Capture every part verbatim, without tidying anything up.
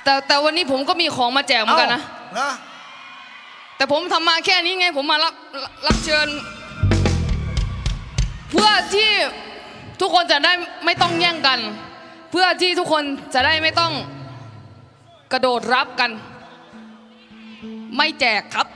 แต่แต่วันนี้ผมก็มีของมาแจกเหมือนกันนะนะแต่ผมทำมาแค่นี้ไงผมมารับรับเชิญ เพื่อที่ทุกคนจะได้ไม่ต้องแย่งกัน เพื่อที่ทุกคนจะได้ไม่ต้องกระโดดรับกัน ไม่แจกครับ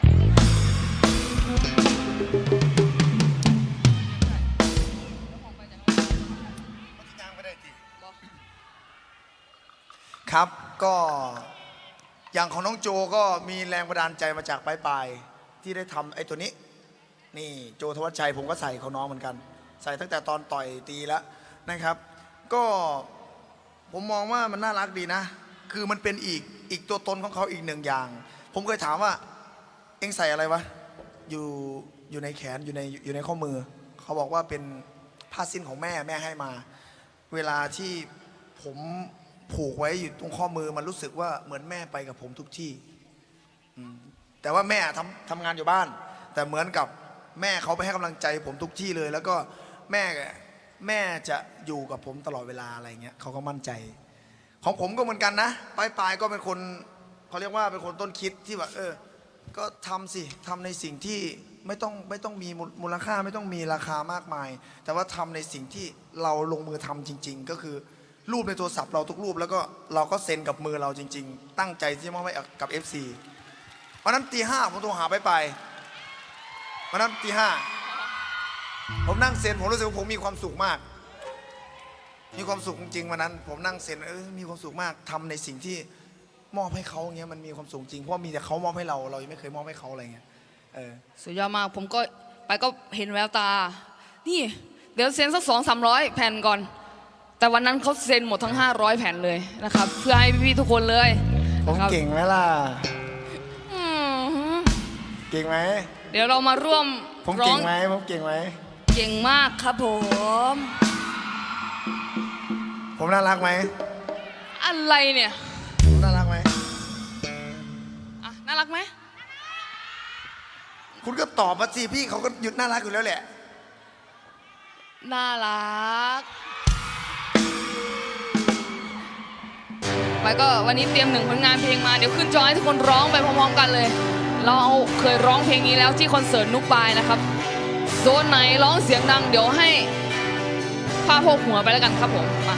ครับก็อย่างของน้องโจก็มีแรงบันดาลใจมาจากปลายปลายที่ได้ทำไอ้ตัวนี้นี่โจธวัชชัยผมก็ใส่ของน้องเหมือนกัน ใส่ตั้งแต่ตอนต่อยตีแล้วนะครับ ก็ผมมองว่ามันน่ารักดีนะ คือมันเป็นอีกอีกตัวตนของเขาอีกหนึ่งอย่าง ผมเคยถามว่าเอ็งใส่อะไรวะอยู่อยู่ในแขนอยู่ในอยู่ในข้อมือเขาบอกว่าเป็นผ้าสิ้นของแม่แม่ให้มา เวลาที่ผมผูกไว้อยู่ตรงข้อมือมันรู้สึกว่าเหมือนแม่ไปกับผมทุกที่แต่ว่าแม่ทำทำงานอยู่บ้าน แต่เหมือนกับแม่เขาไปให้กำลังใจผมทุกที่เลย แล้วก็แม่แม่จะอยู่กับผมตลอดเวลาอะไรเงี้ยเขาก็มั่นใจ ของผมก็เหมือนกันนะปลายปลายก็เป็นคนเขาเรียกว่าเป็นคนต้นคิดที่แบบเออก็ทำสิทำในสิ่งที่ไม่ต้องไม่ต้องมีมูลค่าไม่ต้องมีราคามากมาย แต่ว่าทำในสิ่งที่เราลงมือทำจริงๆก็คือรูปในโทรศัพท์เราทุกรูปแล้วก็เราก็เซ็นกับมือเราจริงๆตั้งใจที่จะมอบให้กับ เอฟ ซี วันนั้นตีห้าผมโทรหาไปไปวันนั้นตีห้าผมนั่งเซ็นผมรู้สึกว่าผมมีความสุขมากมีความสุขจริงๆวันนั้นผมนั่งเซ็นเออมีความสุขมากทำในสิ่งที่มอบให้เขาอย่างเงี้ยมันมีความสุขจริงเพราะมีแต่เขามอบให้เราเรายังไม่เคยมอบให้เขาอะไรเงี้ยเออสุดยอดมากผมก็ไปก็เห็นแววตานี่เดี๋ยวเซ็นสักสองสามร้อยแผ่นก่อนแต่วันนั้นเขาเซ็นหมดทั้งห้าร้อยแผ่นเลยนะครับเพื่อให้พี่ๆทุกคนเลยผมเก่งไหมล่ะเก่งไหมเดี๋ยวเรามาร่วมผมเก่งไหมผมเก่งไหมเก่งมากครับผมผมน่ารักไหมอะไรเนี่ยผมน่ารักไหมอ่ะน่ารักไหมคุณก็ตอบมาสิพี่เขาก็หยุดน่ารักอยู่แล้วแหละน่ารักไปก็วันนี้เตรียมหนึ่งผลงานเพลงมาเดี๋ยวขึ้นจอให้ทุกคนร้องไปพร้อมๆกันเลยเราเคยร้องเพลงนี้แล้วที่คอนเสิร์ตนุกปายนะครับโซนไหนร้องเสียงดังเดี๋ยวให้ผ้าโพกหัวไปแล้วกันครับผมมา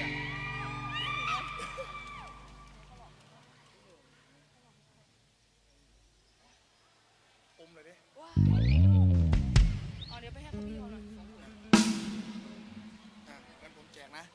เอาเดี๋ยวไปให้พี่เขาหน่อยงั้นผมแจกนะ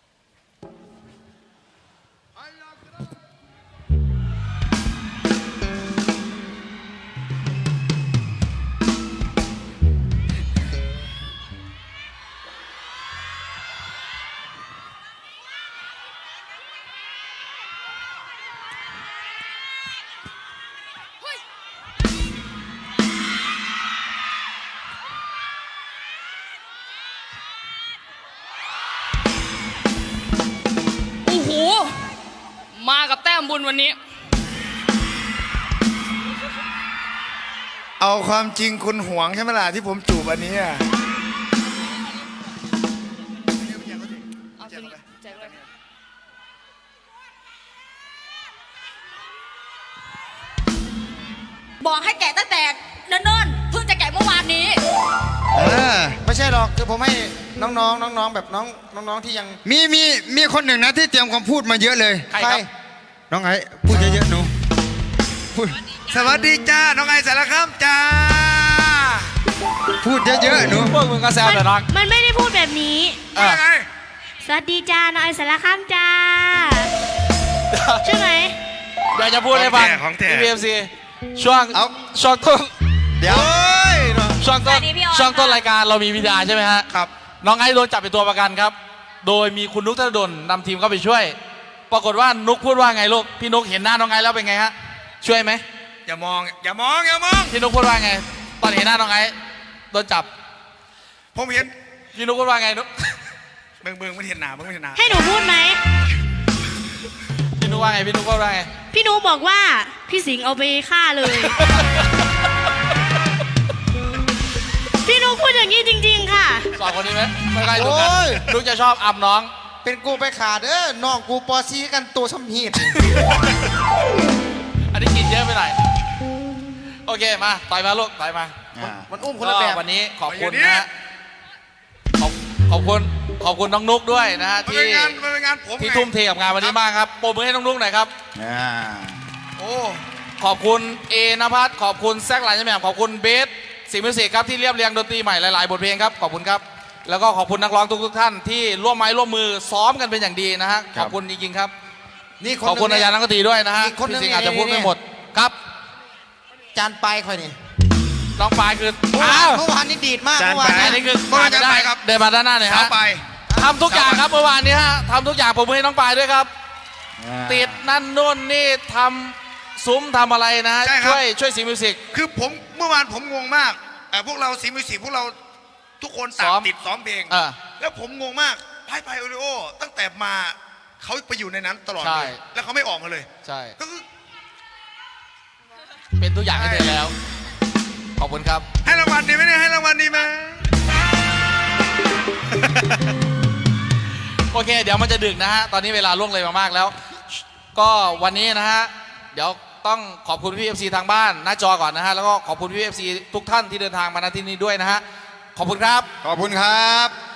มากับแต้มบุญวันนี้เอาความจริงคุณหวงใช่ไหมล่ะที่ผมจูบอันนี้อ่ะบอกให้แกะตั้งแต่เนิ่นๆเพิ่งจะแกะเมื่อวานนี้เออไม่ใช่หรอกคือผมให้น้องๆน้องๆแบบน้องน้องๆที่ยังมีมีมีคนหนึ่งนะที่เตรียมคำพูดมาเยอะเลยใครครับน้องไอ้พูดเยอะๆหนูพูดสวัสดีจ้าน้องไอ้สารคามจ้าพูดเยอะๆหนูพวกมึงก็แซวแต่รักมันไม่ได้พูดแบบนี้สวัสดีจ้าน้องไอ้สารคามจ้าใช่ไหมอยากจะพูดให้ฟังที่ พี เอฟ ซี ช่วงช่วงต้นเดี๋ยวช่วงต้นช่วงต้นรายการเรามีวิดีอาร์ใช่ไหมฮะครับน้องไอ้โดนจับเป็นตัวประกันครับโดยมีคุณนุกธนดลนำทีมเข้าไปช่วยปรากฏว่านุกพูดว่าไงลูกพี่นุกเห็นหน้าน้องไอ้แล้วเป็นไงฮะช่วยไหมอย่ามองอย่ามองอย่ามองพี่นุกพูดว่าไงตอนเห็นหน้าน้องไอ้โดนจับผมเห็นพี่นุกพูดว่าไงนุกเบิ่งเบิ่งไม่เห็นหนาเบิ่งไม่เห็นหนาให้หนูพูดไหมพี่นุกว่าไงพี่นุกพูดว่าไงพี่นุกบอกว่าพี่สิงห์เอาไปฆ่าเลยพี่นุกพูดอย่างนี้จริงๆค่ะสองคนนี้ไหมไม่ใช่นุกนุกจะชอบอับน้องไปเป็นกูไปขาดเออน้องกูปอซีกันตัวสำหีดอันนี้กินเยอะไปหน่อยโอเคมาต่อยมาลูกต่อยมามันอุ้มคนละแบบก็วันนี้ขอบคุณนะฮะขอบขอบคุณขอบคุณน้องนุกด้วยนะฮะมันที่เป็นงานมันเป็นงานผมที่ไงทุ่มเทกับงานวันนี้มากครับปรบมือให้น้องนุกหน่อยครับอ่าโอ้ขอบคุณเอนภัสขอบคุณแซกหลายแม่ขอบคุณเบสสิงห์มิวสิกครับที่เรียบเรียงดนตรีใหม่หลายๆบทเพลงครับขอบคุณครับแล้วก็ขอบคุณนักร้องทุกๆท่านที่ร่วมไม้ร่วมมือซ้อมกันเป็นอย่างดีนะฮะขอบคุณจริงๆครับนี่คนขอบคุณหนึ่อาง จารย์นักดนตรีด้วยนะฮะอีกคนหนึ่งพี่สิงห์อาจจะนี่พูดนี่ไม่หมดครับจานไปลายค่อยนี่น้องปายคือเมื่อวาอ้าน วเมื่อวานนี่ดีดมากจานเมื่อวานไปลายอันนี่นี้คือเมื่อวานขาดไม่ได้จะไปครับเดินมาด้านหน้าหน่อยเช้าฮะไปทำทุกอย่างครับเมื่อวานนี้ฮะทำทุกอย่างผมมือให้น้องปายด้วยครับ ติดนั่นนู่นนี่ทำซุ้มทำอะไรนะฮะใช่ครับช่วยช่วยสิงห์มิวสิกคือผมเมื่อวานผมงงมากเอ่อพวกเราสีมิวสิกพวกเราทุกคนซ้ต่างอมติดซ้อมเพลงเออแล้วผมงงมากไพ่ไพ่โอริโอตั้งแต่มาเขาไปอยู่ในนั้นตลอดใช่เลยแล้วเขาไม่ออกมาเลยใช่ก็คือเป็นตัวอย่างให้เธอแล้ว ขอบคุณครับให้รางวัลดีไหมเนี่ยให้รางวัลดีไหมโอเค เดี๋ยวมันจะดึกนะฮะ ตอนนี้เวลาล่วงเลยมามากแล้ว ก็วันนี้นะฮะ เดี๋ยวต้องขอบคุณพี่เอฟซีทางบ้านหน้าจอก่อนนะฮะ แล้วก็ขอบคุณพี่เอฟซีทุกท่านที่เดินทางมาณที่นี้ด้วยนะฮะ ขอบคุณครับขอบคุณครับ